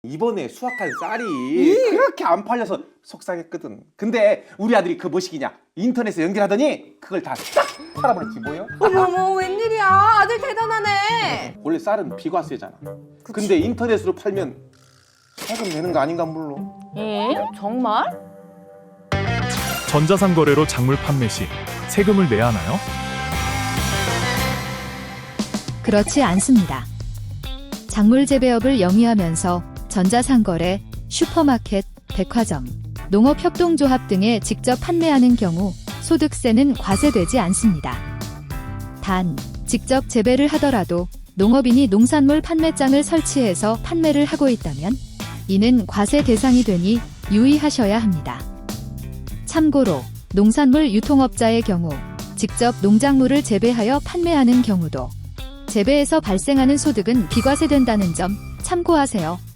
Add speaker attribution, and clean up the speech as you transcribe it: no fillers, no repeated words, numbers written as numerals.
Speaker 1: 이번에 수확한 쌀이 그렇게 안 팔려서 속상했거든. 근데 우리 아들이 그 뭐시기냐 인터넷에 연결하더니 그걸 다 싹 팔아버렸지 뭐요?
Speaker 2: 어머머, 웬일이야. 아들 대단하네.
Speaker 1: 원래 쌀은 비과세잖아. 근데 인터넷으로 팔면 세금 내는 거 아닌가 물론.
Speaker 2: 정말?
Speaker 3: 전자상거래로 작물 판매 시 세금을 내야 하나요?
Speaker 4: 그렇지 않습니다. 작물 재배업을 영위하면서 전자상거래, 슈퍼마켓, 백화점, 농업협동조합 등에 직접 판매하는 경우 소득세는 과세되지 않습니다. 단, 직접 재배를 하더라도 농업인이 농산물 판매장을 설치해서 판매를 하고 있다면 이는 과세 대상이 되니 유의하셔야 합니다. 참고로 농산물 유통업자의 경우 직접 농작물을 재배하여 판매하는 경우도 재배에서 발생하는 소득은 비과세된다는 점 참고하세요.